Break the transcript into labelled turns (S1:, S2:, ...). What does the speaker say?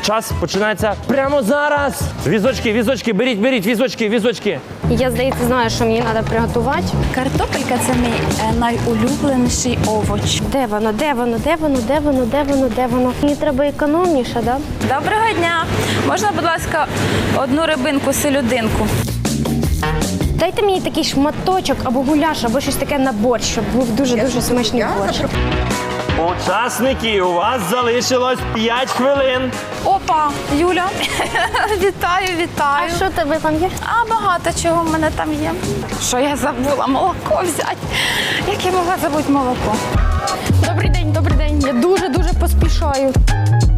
S1: час починається прямо зараз. Візочки, беріть візочки.
S2: Я, здається, знаю, що мені треба приготувати.
S3: Картопелька – це мій найулюбленіший овоч.
S2: Де воно? Мені треба економніше, так? Да?
S3: Доброго дня! Можна, будь ласка, одну рибинку, селюдинку?
S2: Дайте мені такий шматочок або гуляш, або щось таке на борщ, щоб був дуже-дуже смачний борщ.
S1: Учасники, у вас залишилось 5 хвилин.
S3: Опа, Юля, вітаю.
S2: А що тебе там є?
S3: А багато чого в мене там є. Що я забула? Молоко взяти. Як я могла забути молоко?
S2: Добрий день. Я дуже-дуже поспішаю.